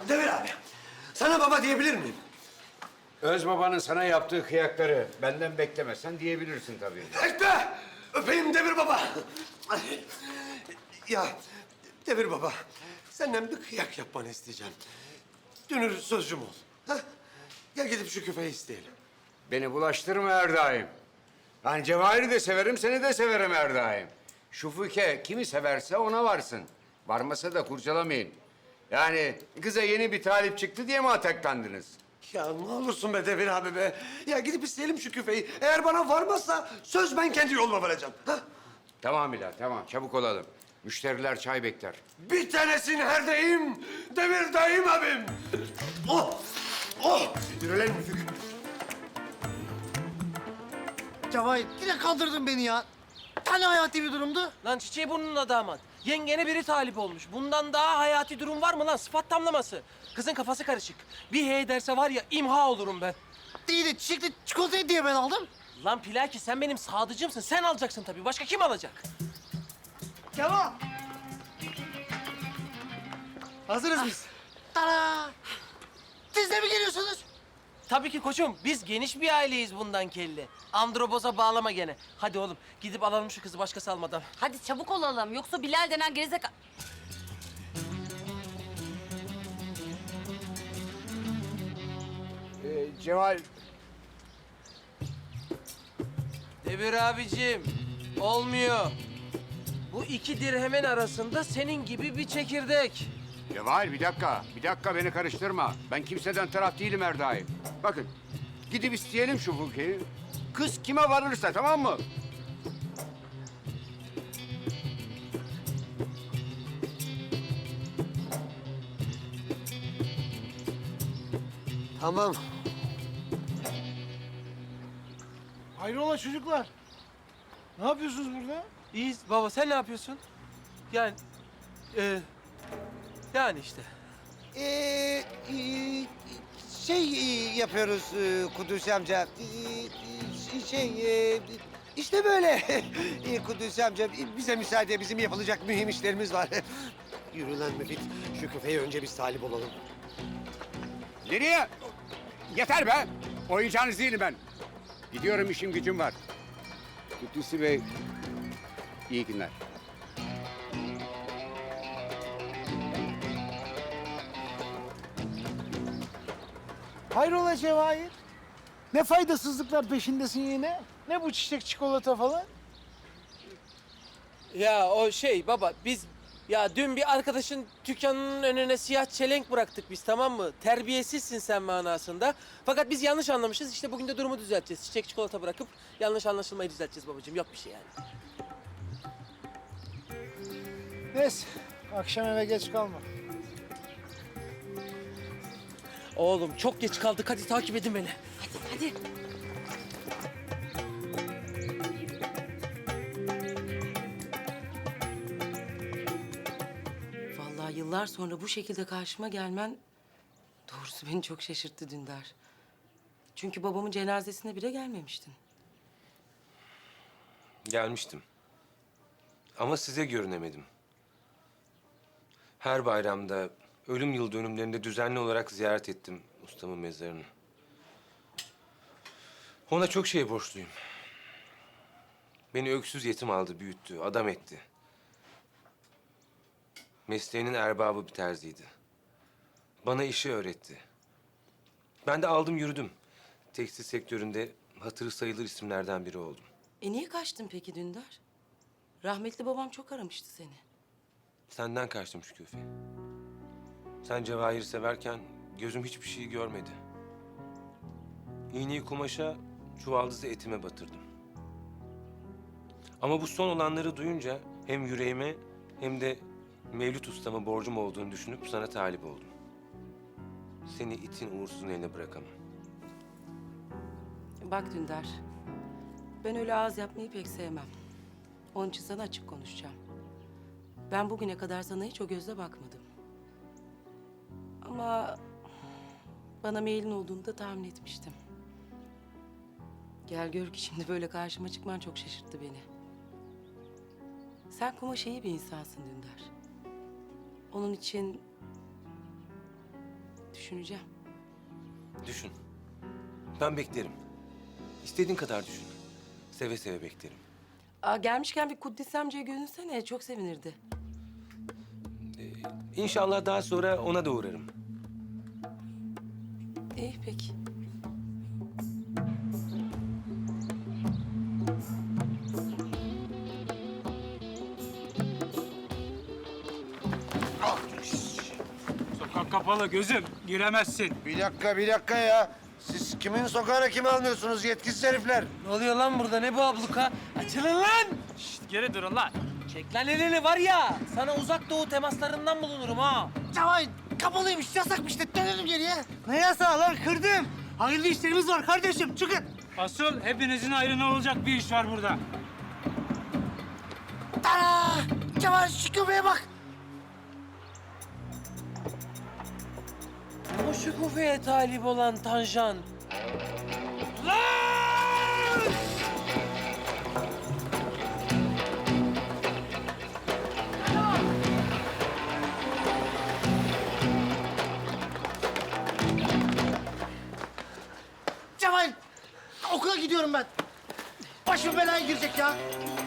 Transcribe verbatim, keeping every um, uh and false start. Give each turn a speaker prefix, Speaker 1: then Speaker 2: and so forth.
Speaker 1: Demir abi, sana baba diyebilir miyim?
Speaker 2: Öz babanın sana yaptığı kıyakları benden beklemezsen diyebilirsin tabii.
Speaker 1: Ekme! Öpeyim Demir baba. Ya Demir baba, senden bir kıyak yapmanı isteyeceğim. Dünür sözcüm ol. Ha? Gel gidip şu küfeyi isteyelim.
Speaker 2: Beni bulaştırma her daim. Yani Cevahir'i de severim, seni de severim her daim. Şu Füke kimi severse ona varsın. Varmasa da kurcalamayın. Yani kıza yeni bir talip çıktı diye mi ataklandınız?
Speaker 1: Ya ne olursun be Demir abi be. Ya gidip isteyelim şu küfeyi. Eğer bana varmazsa söz ben kendi yoluma varacağım. Ha?
Speaker 2: Tamam Bilal, tamam. Çabuk olalım. Müşteriler çay bekler.
Speaker 1: Bir tanesin her deyim, Demir dayım abim. Oh! Oh! Yürü lan Müfük.
Speaker 3: Cevahir yine kandırdın beni ya. Hani hayati bir durumdu?
Speaker 4: Lan çiçeği burnuna damat. Yengene biri talip olmuş. Bundan daha hayati durum var mı lan? Sıfat tamlaması. Kızın kafası karışık. Bir hey derse var ya imha olurum ben.
Speaker 3: İyi de çiçekli çikolatayı diye ben aldım.
Speaker 4: Lan Pilaki sen benim sadıcımsın. Sen alacaksın tabii. Başka kim alacak?
Speaker 3: Kemal. Hazırız biz. Tara. Siz de mi geliyorsunuz?
Speaker 4: Tabii ki koçum. Biz geniş bir aileyiz bundan kelli. Androboza bağlama gene. Hadi oğlum gidip alalım şu kızı başkası almadan.
Speaker 5: Hadi çabuk olalım. Yoksa Bilal denen gerizekalı...
Speaker 2: Ee, Cevahir,
Speaker 4: Demir abicim, olmuyor. Bu iki dirhemin arasında senin gibi bir çekirdek.
Speaker 2: Cevahir bir dakika. Bir dakika beni karıştırma. Ben kimseden taraf değilim her daim. Bakın, gidip isteyelim şu Füke'yi. Kız kime varırsa, tamam mı?
Speaker 1: Tamam.
Speaker 6: Hayrola çocuklar? Ne yapıyorsunuz burada?
Speaker 4: İyiyiz baba, sen ne yapıyorsun? Yani, e, yani işte.
Speaker 7: Ee, e, şey e, yapıyoruz e, Kudüs amca. Ee, şey e, işte böyle e, Kudüs amca bize müsaade, bizim yapılacak mühim işlerimiz var.
Speaker 1: Yürü lan Müfit. Şu küfeye önce biz talip olalım.
Speaker 2: Nereye? Yeter be! Oyuncağınız değilim ben. Gidiyorum, işim gücüm var. Kudüs'ü Bey, iyi günler.
Speaker 6: Hayrola Cevahir? Ne faydasızlıklar peşindesin yine? Ne bu çiçek çikolata falan?
Speaker 4: Ya o şey baba, biz ya dün bir arkadaşın dükkanının önüne siyah çelenk bıraktık biz, tamam mı? Terbiyesizsin sen manasında. Fakat biz yanlış anlamışız. İşte bugün de durumu düzelteceğiz. Çiçek çikolata bırakıp yanlış anlaşılmayı düzelteceğiz babacığım. Yok bir şey yani.
Speaker 6: Neyse, akşam eve geç kalma.
Speaker 4: Oğlum çok geç kaldık. Hadi takip edin beni.
Speaker 5: Hadi.
Speaker 8: Vallahi yıllar sonra bu şekilde karşıma gelmen doğrusu beni çok şaşırttı Dündar. Çünkü babamın cenazesine bile gelmemiştin.
Speaker 9: Gelmiştim. Ama size görünemedim. Her bayramda, ölüm yıl dönümlerinde düzenli olarak ziyaret ettim ustamın mezarını. Ona çok şey borçluyum. Beni öksüz yetim aldı, büyüttü, adam etti. Mesleğinin erbabı bir terziydi. Bana işi öğretti. Ben de aldım yürüdüm. Tekstil sektöründe hatırı sayılır isimlerden biri oldum.
Speaker 8: E niye kaçtın peki Dündar? Rahmetli babam çok aramıştı seni.
Speaker 9: Senden kaçtım Şüküfe. Sen Cevahir'i severken gözüm hiçbir şey görmedi. İğneyi kumaşa, çuvaldızı etime batırdım. Ama bu son olanları duyunca hem yüreğime hem de Mevlüt ustama borcum olduğunu düşünüp sana talip oldum. Seni itin uğursuzun eline bırakamam.
Speaker 8: Bak Dündar, ben öyle ağız yapmayı pek sevmem. Onun için sana açık konuşacağım. Ben bugüne kadar sana hiç o gözle bakmadım. Ama bana meylin olduğunu da tahmin etmiştim. Gel gör ki şimdi böyle karşıma çıkman çok şaşırttı beni. Sen kumaş iyi bir insansın Dündar. Onun için düşüneceğim.
Speaker 9: Düşün. Ben beklerim. İstediğin kadar düşün. Seve seve beklerim.
Speaker 8: Aa, gelmişken bir Kuddis amcaya görünsene. Çok sevinirdi.
Speaker 9: İnşallah daha sonra ona da uğrarım.
Speaker 8: İyi peki.
Speaker 10: Sokak kapalı gözüm. Giremezsin.
Speaker 7: Bir dakika, bir dakika ya. Siz kimin sokağına kimi almıyorsunuz yetkisiz herifler?
Speaker 4: Ne oluyor lan burada? Ne bu abluka? Açılın lan!
Speaker 10: Şişt, geri durun lan.
Speaker 4: Çek lan elini var ya. Sana uzak doğu temaslarından bulunurum ha.
Speaker 3: Cevahir kapalıymış, yasakmış de dönelim geriye. Ne yasağı lan, kırdım. Hayırlı işlerimiz var kardeşim, çıkın.
Speaker 10: Asıl hepinizin ayrına olacak bir iş var burada.
Speaker 3: Tara! Cevahir şu köpeğe bak.
Speaker 4: O şu kufeye talip olan Tanjan.
Speaker 3: Cevahir, okula gidiyorum ben. Başım belaya girecek ya.